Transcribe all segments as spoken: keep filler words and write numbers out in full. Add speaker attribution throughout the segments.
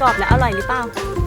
Speaker 1: กรอบและอร่อยหรือเปล่า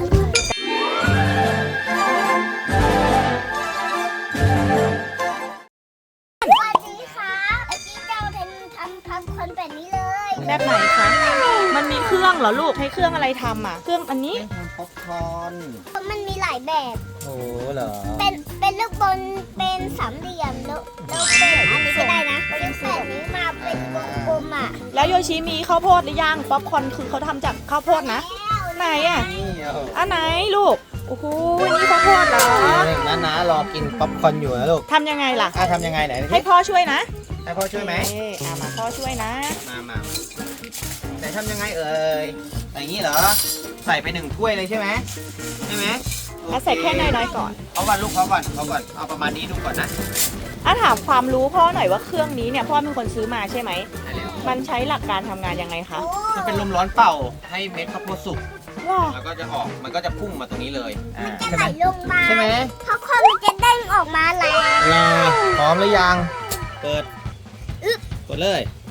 Speaker 2: สวัสดีค่ะเมื่อกี้เราทำทำพับคอนแบบนี้เลย
Speaker 1: แบบไหนคะ มันมีเครื่องเหรอลูกใช้เครื่องอะไรทำอ่ะเครื่องอันนี้
Speaker 3: ทำป๊อปคอร์น
Speaker 2: มันมีหลายแบบ
Speaker 3: โอ้เหรอ
Speaker 2: เป็นเป็นลูกบอลเป็นสามเหลี่ยมแล้วแล้วเป็นอันนี้ก็ได้นะเป็นแบบนี้มาเป็นกลมๆอ่ะ
Speaker 1: แล้วโยชิมีข้าวโพดหรือยังป๊อปคอร์นคือเขาทำจากข้าวโพดนะไหนอ่ะ
Speaker 3: นี่เอา
Speaker 1: อันไหนลูกโอ้โหนี่ข้าวโพดเหรอ
Speaker 3: น้าน้ารอกินป๊อปคอร์นอยู่นะลูก
Speaker 1: ทำยังไงล่ะ
Speaker 3: อ่ะทำยังไงไหน
Speaker 1: ให้พ่อช่วยนะ
Speaker 3: ให้พ่อช่วยไหม
Speaker 1: เอ๊ะอ่ะมาพ่อช่วยนะ
Speaker 3: มามาไหนทำยังไงเอ่ยใส่อย่างนี้เหรอ ใส่ไปหนึ่งถ้วยเลยใช่ไหมใช่ไหม
Speaker 1: แล้วใส่แค่น้อยๆก่อน
Speaker 3: เอาก่อนลูกเอาก่อนเอาก่อนเอาประมาณนี้ดูก่อนนะ
Speaker 1: อ่ะถามความรู้พ่อหน่อยว่าเครื่องนี้เนี่ยพ่อเป็นคนซื้อมาใช่ไหม
Speaker 3: ได้แล้ว
Speaker 1: มันใช้หลักการทำงานยังไงคะ
Speaker 3: มันเป็นลมร้อนเป่าให้เม็ดข้าวโพดสุก
Speaker 1: ว้า
Speaker 3: แล้วก็จะออกมันก็จะพุ่งมาตรงนี้เลยอ่า
Speaker 2: จะ
Speaker 3: ใช่
Speaker 2: ไห
Speaker 3: ไห
Speaker 2: ล
Speaker 3: ม
Speaker 2: ลงมา
Speaker 3: ใช่ไหม
Speaker 2: เพราะคอนมันจะเด้งออกมาแล้ว
Speaker 3: รอพร้อมหรือยังเปิดกดเลย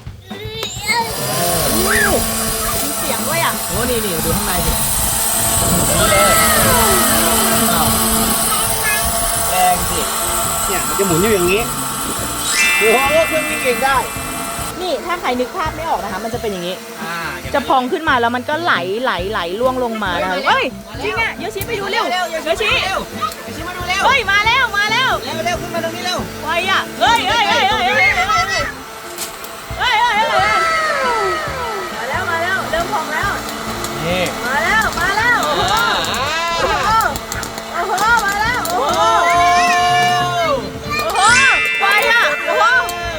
Speaker 1: มีเสียงด้วยอ่ะ
Speaker 3: โอ้นี่นี่ดูข้างในสินี่เลยอ้าวแรงสิเนี่ยมันจะหมุนอยู่อย่างนี้โอ้โหเครื่องวิ่งเองได้
Speaker 1: นี่ถ้าใครนึกภาพไม่ออกนะคะ มันจะเป็นอย่างนี้
Speaker 3: อ่าย่างนั้น
Speaker 1: จะพองขึ้นมาแล้วมันก็ไหลไหลไหลล่วงลงมานะคะเฮ้ยจริงอ่ะโยชิไปดูเร็วโยชิ
Speaker 3: เร็วโยชิมาดูเร็ว
Speaker 1: เฮ้ยมาแล้วมาแล้ว
Speaker 3: เร็วเร็วขึ้นมาตรงนี้เร็ว
Speaker 1: ไวอ่ะเฮ้ยเฮ้ยเฮ้ยเฮ้ยเฮ้ยเฮ้ยเฮ้ยเฮ้ยเฮ้ยเฮ้ยมาแล้วมาแล้วเริ่มพองแล้ว
Speaker 3: นี่
Speaker 1: มาแล้วมาแล้วโอ้โหโอ้โหโอ้โหมาแล้วโอ้โหโอ้โหไวอ่ะโอ้โห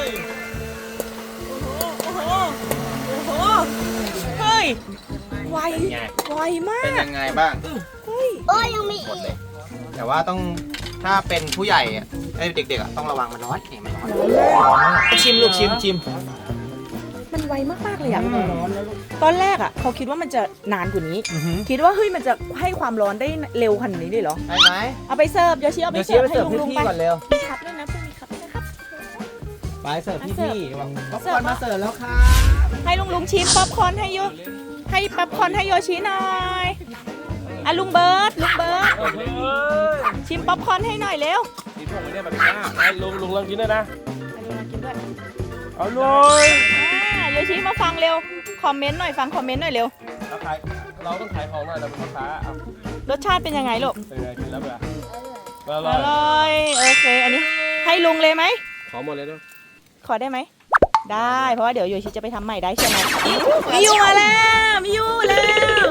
Speaker 1: โอ้โหโอ้โหเฮ้ยไวไวมา
Speaker 3: เป็น
Speaker 1: ก
Speaker 3: ยังไงบ้าง
Speaker 1: เฮ้ย
Speaker 2: โอ้ยยังมี
Speaker 3: หมด
Speaker 2: อี
Speaker 3: เล
Speaker 2: ก
Speaker 3: ยแต่ว่าต้องถ้าเป็นผู้ใหญ่อะไอ้เด็กๆอะต้องระวังมันร้อนเห็นไหมชิมลูกชิมชิม
Speaker 1: มันไวมากๆเลยอ่ะตอนแรกอ่ะเขาคิดว่ามันจะนานกว่านี้ คิดว่าเฮ้ยมันจะให้ความร้อนได้เร็วขนาดนี้เลยเหรอ
Speaker 3: ได้ไหม
Speaker 1: เอาไปเสิร์ฟโยชิเอาไป
Speaker 3: เดี๋ยว
Speaker 1: เสิ
Speaker 3: เชีย
Speaker 1: ร์ฟ
Speaker 3: ร์ไป
Speaker 1: ให้
Speaker 3: เสิร์ฟ
Speaker 1: ลุง
Speaker 3: พี่
Speaker 1: ลุง
Speaker 3: ๆ
Speaker 1: ไป
Speaker 3: ก่อนเร็ว
Speaker 1: มีครับด้วยนะพรุ่งนี้ครับนะครับ
Speaker 3: ไปเสิร์ฟพี่
Speaker 1: เสิร์ฟ
Speaker 3: ๆวางป๊อป
Speaker 1: เสิ
Speaker 3: ค
Speaker 1: ร์
Speaker 3: อ
Speaker 1: ฟ
Speaker 3: ร์นมาเสิร์ฟแล้วค่ะ
Speaker 1: ให้ลุงลุงชิมป๊อปคอร์นให้โยให้ป๊อปคอร์นให้โยชิหน่อยอ่ะลุงเบิร์ดลุงเบิร์ดชิมป๊อปคอร์นให้หน่อยเร็ว
Speaker 4: กินพวกนี้ได้แบบนี้นะลุงลุงลองกินด้วยนะ
Speaker 1: อ่ะลุงมากินด้วย
Speaker 4: เอาเลย
Speaker 1: อ่าโยชิมาฟังเร็วคอมเมนต์หน่อยฟังคอมเมนต์หน่อยเร็ว
Speaker 4: เราขายเราต้องขายของหน่อยเราเป็นลูกค้าเอา
Speaker 1: รสชาติเป็นยังไงลูก
Speaker 4: เป็นไงกินแล้วเปล่าอ
Speaker 1: อ
Speaker 4: ร่อย
Speaker 1: ร่อยโอเคอันนี้ให้ลุงเลยไหม
Speaker 4: ขอหมดเลยด้วย
Speaker 1: ขอได้ไหม ได้เพราะว่าเดี๋ยวโยชิจะไปทำใหม่ได้ใช่ไหมมิยูมาแล้วมิยูแล้ว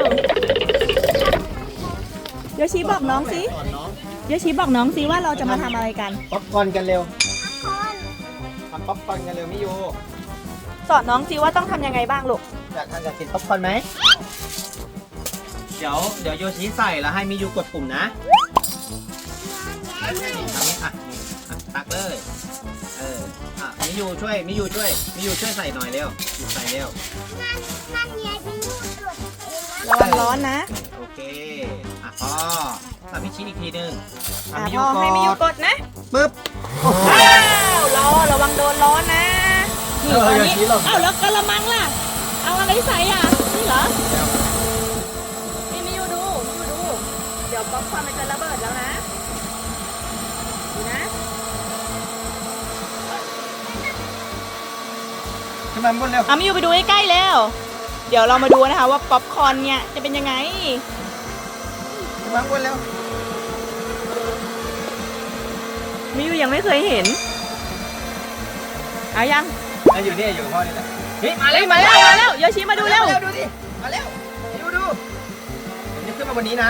Speaker 1: โยชิบอกน้องสิ
Speaker 3: สอนน้อง
Speaker 1: โยชิบอกน้องสิว่าเราจะมาทำอะไรกัน
Speaker 3: ป๊อปคอร์นกันเร็ว
Speaker 2: คอน
Speaker 3: ทำป๊อปคอร์นกันเร็วมิโย
Speaker 1: สอนน้องสิว่าต้องทำยังไงบ้างลูก
Speaker 3: อยากทำอยากกินป๊อปคอร์นไหมเดี๋ยวเดี๋ยวโยชิใส่แล้วให้มิยูกดปุ่มนะทำนี้อ่ะนี่อ่ะตักเลยเอออ่ะมิยูช่วยมิยูช่วยมิยูช่วยใส่หน่อยเร็วใส่เร็ว
Speaker 2: มันมันใหญ่เป็นลูกตรวจเองนะ
Speaker 1: ระวังร้อนนะ
Speaker 3: โอเคอ่ะพอทำพิชิตอีกทีหนึง
Speaker 1: อ่ะ
Speaker 3: ทำมิ
Speaker 1: พ
Speaker 3: ยู
Speaker 1: อ
Speaker 3: ก่อน
Speaker 1: ให้มิยูกดนะ
Speaker 3: ปึ๊บ
Speaker 1: อ้าวรอระวังโดนร้อนนะนี่
Speaker 3: เออ
Speaker 1: ตอน
Speaker 3: โย
Speaker 1: นี้
Speaker 3: ชิหลบ
Speaker 1: อ้าวแล้วกระมังล่ะเอาอะไรใส่อ่ะนี่เหรอนี่มิยูดูมิยูดูเดี๋ยวป๊อปคอร์นมันจะระเบิดแล้วนะดูนะ
Speaker 3: ขึ้นมาบนเร็ว
Speaker 1: เอามิยูไปดูใกล้ๆแล้ว เดี๋ยวเรามาดูนะคะว่าป๊อปคอร์นเนี่ยจะเป็นยังไง
Speaker 3: ขึ้นมาบนเร็ว
Speaker 1: มิยูยังไม่เคยเห็นเอายัง
Speaker 3: อ่ะอยู่นี่อยู่กับพ่อนี่แหละเฮ้ยมา
Speaker 1: เฮ้
Speaker 3: แล้
Speaker 1: ยว มาแล้วมาแล้วโยชิมาดูเร็ว
Speaker 3: ดูดิมาเร็วดูดูเดี๋ยวขึ้นมาบนนี้นะ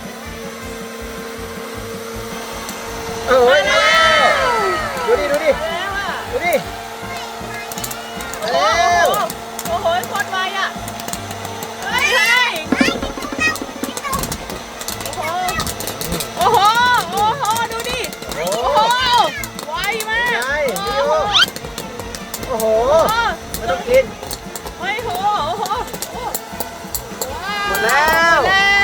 Speaker 3: เออดูดิดูดิ
Speaker 1: แล้วอ่ะ
Speaker 3: ดูดิมา
Speaker 1: โอ้
Speaker 3: เร็ว
Speaker 1: โหโอ้โหโคตรไวอ่ะเฮ้ยเฮ้ยโอ้โหโอ้โหดูดิ
Speaker 3: โอ้
Speaker 1: โอ้โหไวมาก
Speaker 3: ใช่
Speaker 1: โอ้โห
Speaker 3: โอ้โห
Speaker 1: โอ้โห
Speaker 3: ไม่ต้องกิน
Speaker 1: โอ้โหโอ้โหโอ้โหว้าว
Speaker 3: หมดแล้ว
Speaker 1: หมดแล้ว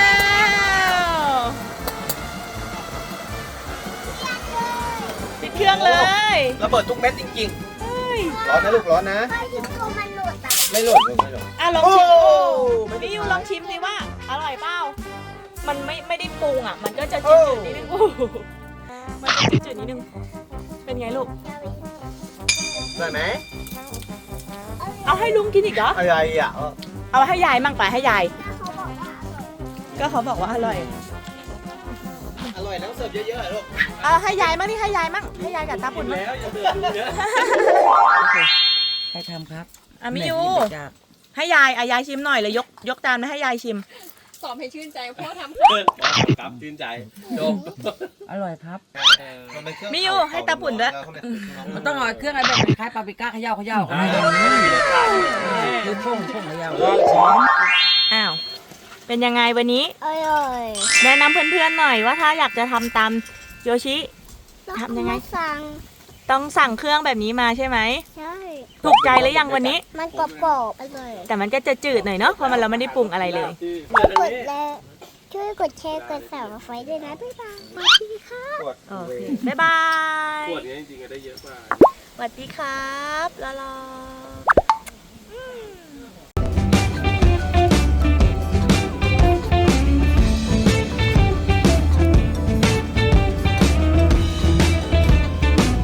Speaker 1: ปิดเครื่องเลย
Speaker 3: ระเบิดทุกเม็ดจริง
Speaker 1: เฮ้ย
Speaker 3: ๆร้อนนะลูกร้อนนะ
Speaker 2: ไปถึงตัวมันหลุดอ่ะ
Speaker 3: ไม่หล่นลูกไม่หล่น
Speaker 1: อ่ะลองชิม
Speaker 3: โอ้
Speaker 1: ดูพี่ยูลองชิมสิว่าอร่อยเปล่ามันไม่ไม่ได้ปรุงอ่ะมันก็จะจืดๆนิดนึงมันจะจืดๆนิดนึงเป็นไงลูก
Speaker 3: อร่อยไหม
Speaker 1: เอาให้ลุงกินอีกเหรอ
Speaker 3: อะไรอ่ะ
Speaker 1: เอาให้ยายมั่งไปให้ยาย
Speaker 2: เขาบอกว่าอร่อย
Speaker 1: ก็เขาบอกว่าอร่อย
Speaker 3: อร่อยแล้วเสิร์ฟเยอะๆลูก
Speaker 1: เอาให้ยายมั่งนี่ให้ยายมั่งให้ยายกับตาปุ่นมั่ง
Speaker 3: แล้วอย่าเดือดเยอะ
Speaker 5: ใครทำครับ
Speaker 1: อ่ะมิยู
Speaker 5: แม่กินจาก
Speaker 1: ให้ยายอ่ะยายชิมหน่อยเลยยกยกจานมาให้ยายชิม
Speaker 6: สอบให้ชื่นใจพ่อทำ
Speaker 4: ครับชื่นใจจบ
Speaker 5: อร่อยครับ
Speaker 1: มิยูให้ตาปุ่นด้วย
Speaker 5: มันต้องเอาเครื่องอะไรแบบคล้ายๆปาปริก้าเขย่าเขย่าเขาไม่ได้คือพ่งพ่งเขย่า
Speaker 1: อ้าวเป็นยังไงวันนี้
Speaker 2: อร่อย
Speaker 1: แนะนำเพื่อนๆหน่อยว่าถ้าอยากจะทำตามโยชิ ทำยังไง
Speaker 2: สั่ง
Speaker 1: ต้องสั่งเครื่องแบบนี้มาใช่ไหม
Speaker 2: ใช่
Speaker 1: ถูกใจหรือยังวันนี้
Speaker 2: มันกรอบๆอร่อย
Speaker 1: แต่มันก็จะจืดหน่อยเนาะเพราะมันเราไม่ได้ปรุงอะไรเลย
Speaker 2: กดแล้วช่วยกดแชร์กดสั่งไฟด้วยนะบ๊ายบายสวัสดีค่ะ
Speaker 1: โอเค บ๊ายบาย
Speaker 4: ขวดนี้จริงๆได้เยอะมาก
Speaker 1: สวัสดีครับลาลา